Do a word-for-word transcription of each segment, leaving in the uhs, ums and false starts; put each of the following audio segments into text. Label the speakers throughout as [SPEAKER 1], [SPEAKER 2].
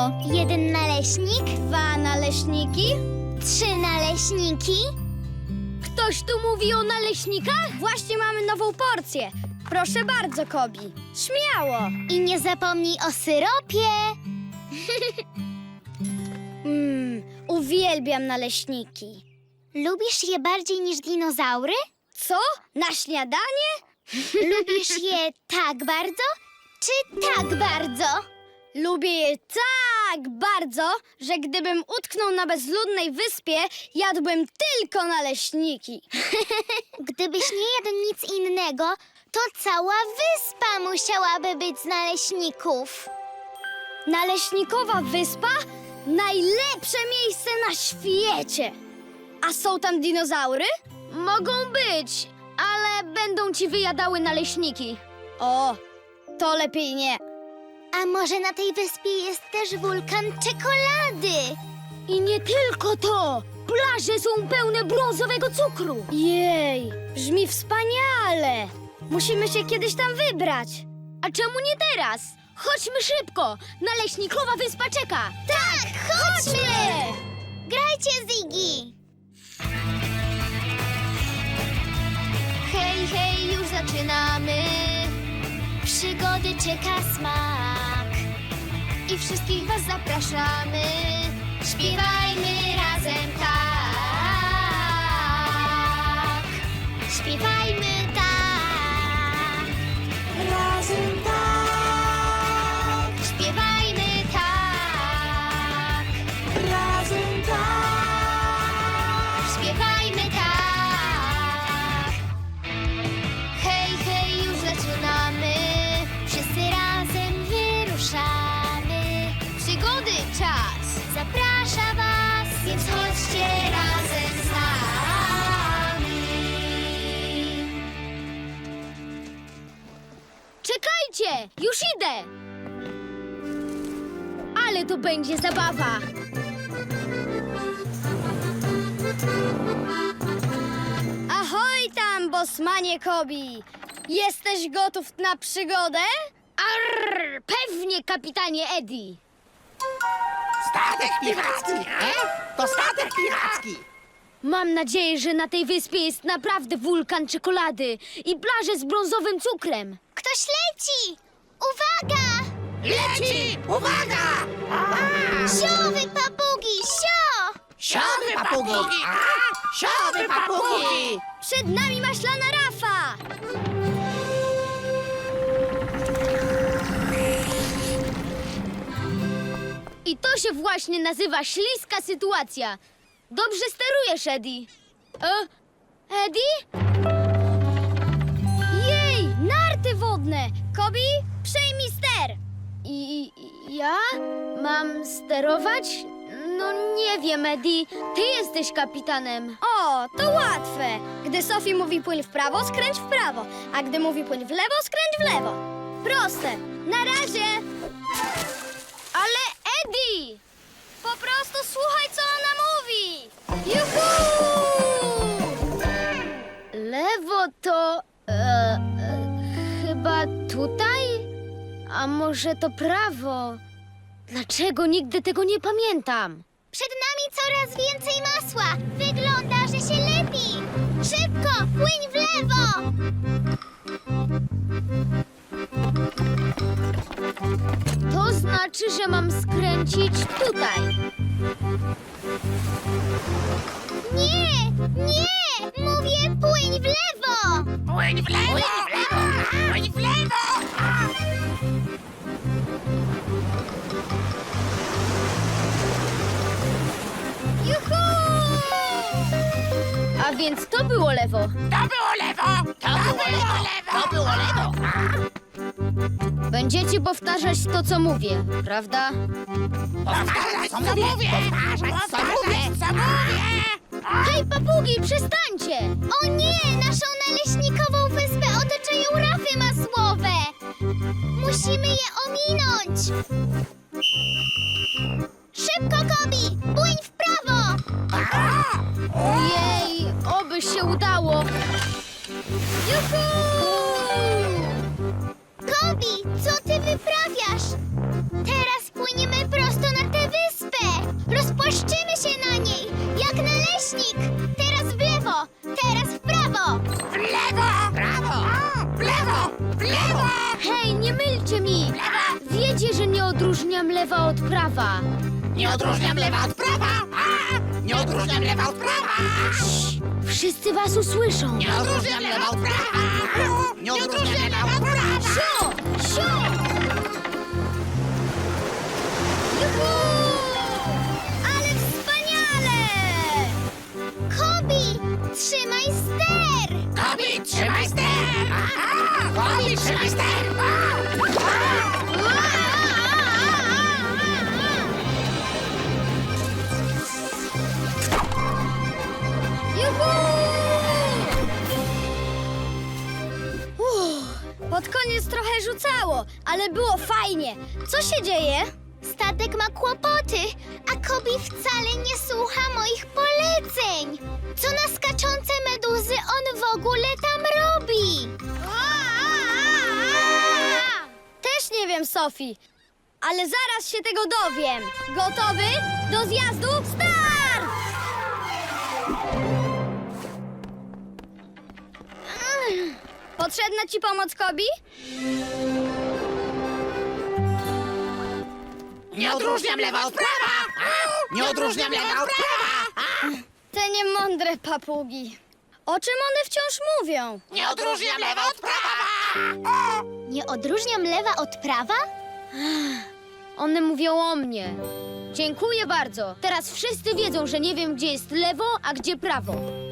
[SPEAKER 1] to?
[SPEAKER 2] Jeden naleśnik,
[SPEAKER 1] Dwa naleśniki?
[SPEAKER 2] trzy naleśniki.
[SPEAKER 1] Ktoś tu mówi o naleśnikach? Właśnie mamy nową porcję. Proszę bardzo, Kobi. Śmiało.
[SPEAKER 2] I nie zapomnij o syropie.
[SPEAKER 1] Mmm, uwielbiam naleśniki.
[SPEAKER 2] Lubisz je bardziej niż dinozaury?
[SPEAKER 1] Co? Na śniadanie?
[SPEAKER 2] Lubisz je tak bardzo, czy tak bardzo?
[SPEAKER 1] Lubię je tak bardzo, że gdybym utknął na bezludnej wyspie, jadłbym tylko naleśniki.
[SPEAKER 2] Gdybyś nie jadł nic innego, to cała wyspa musiałaby być z naleśników.
[SPEAKER 1] Naleśnikowa wyspa? Najlepsze miejsce na świecie! A są tam dinozaury? Mogą być, ale będą ci wyjadały naleśniki. O, to lepiej nie.
[SPEAKER 2] A może na tej wyspie jest też wulkan czekolady?
[SPEAKER 1] I nie tylko to! Plaże są pełne brązowego cukru! Jej, brzmi wspaniale! Musimy się kiedyś tam wybrać. A czemu nie teraz? Chodźmy szybko! Naleśnikowa wyspa czeka!
[SPEAKER 2] Tak, chodźmy! Grajcie, Ziggy! Hej, hej, już zaczynamy. Przygody czeka smak. I wszystkich was zapraszamy. Śpiewajmy razem tak. Śpiewajmy tak. Razem tak. Śpiewajmy tak. Razem tak. Śpiewajmy tak. Hej, hej, już zaczynamy. Wszyscy razem wyruszamy. Przygody czas zaprasza was, więc chodźcie razem z nami.
[SPEAKER 1] Czekajcie! Już idę! Ale to będzie zabawa! Ahoj tam, bosmanie Kobi! Jesteś gotów na przygodę? Arr, pewnie, kapitanie Eddie!
[SPEAKER 3] Statek piracki, e? To statek piracki!
[SPEAKER 1] Mam nadzieję, że na tej wyspie jest naprawdę wulkan czekolady i plaże z brązowym cukrem.
[SPEAKER 2] Ktoś leci! Uwaga!
[SPEAKER 3] Leci! Uwaga!
[SPEAKER 2] Siowy papugi, sio!
[SPEAKER 3] Siowy papugi! A? Siowy papugi!
[SPEAKER 1] Przed nami maślana rafa! I to się właśnie nazywa śliska sytuacja. Dobrze sterujesz, Eddie. E? Eddie? Jej, narty wodne! Kobi, przejmij ster! I i- ja? Mam sterować? No nie wiem, Eddie. Ty jesteś kapitanem. O, to łatwe. Gdy Sophie mówi płyń w prawo, skręć w prawo. A gdy mówi płyń w lewo, skręć w lewo. Proste. Na razie. Ale Eddie! Po prostu słuchaj, co ona mówi. Juhu! Lewo to... E, e, chyba tutaj? A może to prawo? Dlaczego nigdy tego nie pamiętam?
[SPEAKER 2] Przed nami coraz więcej masła. Wygląda, że się lepi. Szybko, płyń w lewo.
[SPEAKER 1] To znaczy, że mam skręcić tutaj.
[SPEAKER 2] Nie, nie, mówię płyń w lewo.
[SPEAKER 3] Płyń w lewo! Płyń w lewo!
[SPEAKER 1] Juhu! A więc to było lewo.
[SPEAKER 3] To było lewo! To było lewo! To było lewo!
[SPEAKER 1] Będziecie powtarzać to, co mówię, prawda?
[SPEAKER 3] Powtarzać, co mówię! Powtarzać, co mówię! Co mówię!
[SPEAKER 1] Hej, papugi, przestańcie!
[SPEAKER 2] O nie, naszą naleśnikową wyspę otaczają rafy masłowe. Musimy je ominąć. Szybko, Kobi, płyń w prawo.
[SPEAKER 1] Jej, oby się udało. Juhu!
[SPEAKER 2] Kobi, co ty wyprawiasz? Teraz płyniemy prosto na
[SPEAKER 1] odróżniam lewa od prawa.
[SPEAKER 3] Nie odróżniam lewa od prawa! A! Nie odróżniam lewa od prawa!
[SPEAKER 1] Wszyscy was usłyszą.
[SPEAKER 3] Nie odróżniam lewa od prawa! Nie odróżniam lewa od prawa!
[SPEAKER 1] Sio! Sio! Juhu! Ale wspaniale!
[SPEAKER 2] Kobi, trzymaj ster!
[SPEAKER 3] Kobi, trzymaj ster! Aha! Kobi, trzymaj ster!
[SPEAKER 1] Juhu! Uff, pod koniec trochę rzucało, ale było fajnie. Co się dzieje?
[SPEAKER 2] Statek ma kłopoty, a Kobi wcale nie słucha moich poleceń. Co na skaczące meduzy on w ogóle tam robi?
[SPEAKER 1] Też nie wiem, Sophie, ale zaraz się tego dowiem. Gotowy? Do zjazdu? Start! Mm. Potrzebna ci pomoc, Kobi?
[SPEAKER 3] Nie odróżniam lewa od prawa! A! Nie odróżniam lewa od prawa! A!
[SPEAKER 1] Te niemądre papugi. O czym one wciąż mówią?
[SPEAKER 3] Nie odróżniam lewa od prawa!
[SPEAKER 2] Nie odróżniam lewa od prawa?
[SPEAKER 1] One mówią o mnie. Dziękuję bardzo. Teraz wszyscy wiedzą, że nie wiem, gdzie jest lewo, a gdzie prawo.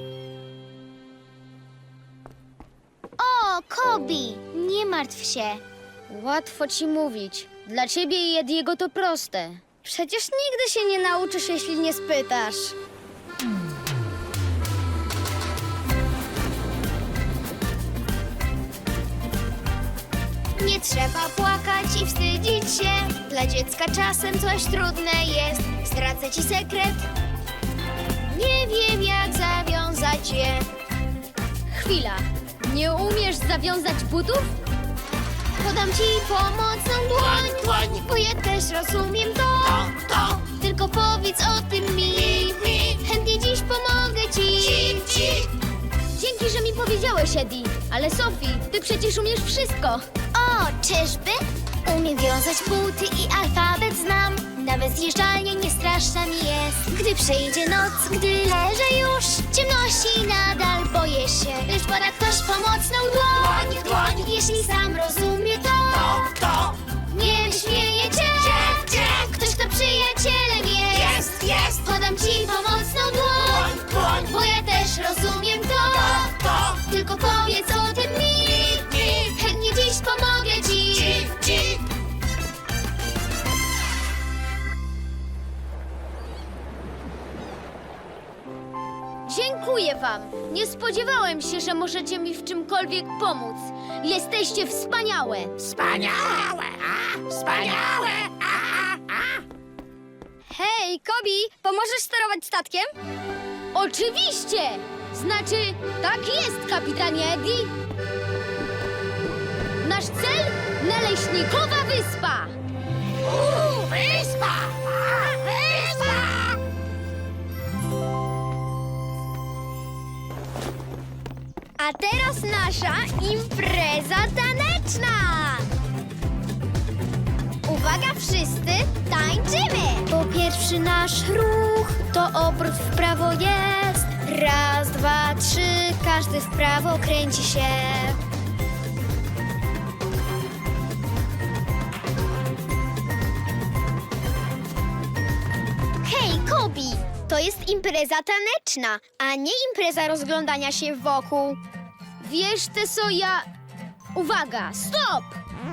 [SPEAKER 2] O, Kobi, nie martw się.
[SPEAKER 1] Łatwo ci mówić. Dla ciebie i Ediego to proste. Przecież nigdy się nie nauczysz, jeśli nie spytasz.
[SPEAKER 2] Nie trzeba płakać i wstydzić się. Dla dziecka czasem coś trudne jest. Zdradzę ci sekret. Nie wiem, jak zawiązać je.
[SPEAKER 1] Chwila. Nie umiesz zawiązać butów?
[SPEAKER 2] Podam ci pomocną dłoń,
[SPEAKER 3] Dłoń,
[SPEAKER 2] bo ja też rozumiem to.
[SPEAKER 3] to, to,
[SPEAKER 2] Tylko powiedz o tym mi.
[SPEAKER 3] mi.
[SPEAKER 2] Chętnie dziś pomogę ci.
[SPEAKER 3] Ci, ci.
[SPEAKER 1] Dzięki, że mi powiedziałeś, Eddie. Ale Sophie, ty przecież umiesz wszystko.
[SPEAKER 2] O, czyżby? Umiem wiązać buty i alfabet znam. Nawet zjeżdżalnie nie straszna mi jest. Gdy przyjdzie noc, gdy leżę już w ciemności, nadal boję się, lecz poda ktoś pomocną dłoń.
[SPEAKER 3] Dłoń, dłoń.
[SPEAKER 2] Jeśli sam rozumie to,
[SPEAKER 3] To, to.
[SPEAKER 2] nie wyśmieje cię.
[SPEAKER 3] Gdzie?
[SPEAKER 2] Ktoś, kto przyjacielem jest.
[SPEAKER 3] Jest, jest.
[SPEAKER 2] Podam ci pomocną dłoń,
[SPEAKER 3] Dłoń, dłoń.
[SPEAKER 2] bo ja też rozumiem to.
[SPEAKER 3] To, to.
[SPEAKER 2] Tylko powiedz o tym mi.
[SPEAKER 3] Mi.
[SPEAKER 2] Chętnie dziś pomogę ci.
[SPEAKER 3] Ci, ci.
[SPEAKER 1] Dziękuję wam. Nie spodziewałem się, że możecie mi w czymkolwiek pomóc. Jesteście wspaniałe.
[SPEAKER 3] Wspaniałe! A! Wspaniałe! A! A!
[SPEAKER 1] Hej, Kobi, pomożesz sterować statkiem? Oczywiście! Znaczy, tak jest, kapitanie Eddie. Nasz cel? Naleśnikowa wyspa.
[SPEAKER 3] Uuu, wyspa! A! Wyspa!
[SPEAKER 1] A teraz nasza impreza taneczna. Uwaga wszyscy, tańczymy! Po pierwszy nasz ruch to obrót w prawo jest. Raz, dwa, trzy, każdy w prawo kręci się.
[SPEAKER 2] Hej, Kobi! To jest impreza taneczna, a nie impreza rozglądania się wokół.
[SPEAKER 1] Wiesz, Teso, ja... Uwaga, stop!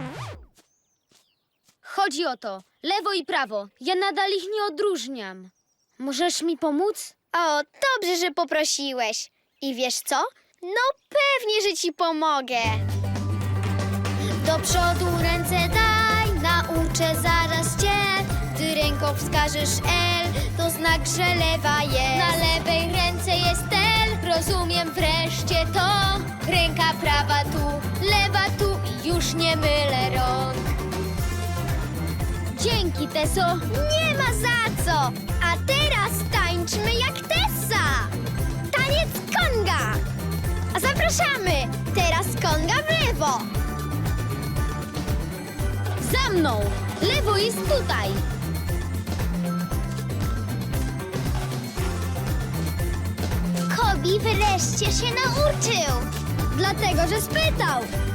[SPEAKER 1] Chodzi o to, lewo i prawo. Ja nadal ich nie odróżniam. Możesz mi pomóc?
[SPEAKER 2] O, dobrze, że poprosiłeś. I wiesz co? No pewnie, że ci pomogę.
[SPEAKER 1] Do przodu ręce daj, nauczę zaraz cię. Gdy ręką wskażesz L, to znak, że lewa jest. Na lewej ręce jest L, rozumiem wreszcie to. Ręka prawa tu, lewa tu i już nie mylę rąk. Dzięki, Teso.
[SPEAKER 2] Nie ma za co! A teraz tańczmy jak Tessa! Taniec konga! A zapraszamy! Teraz konga w lewo!
[SPEAKER 1] Za mną! Lewo jest tutaj!
[SPEAKER 2] Kobi wreszcie się nauczył.
[SPEAKER 1] Dlatego, że spytał!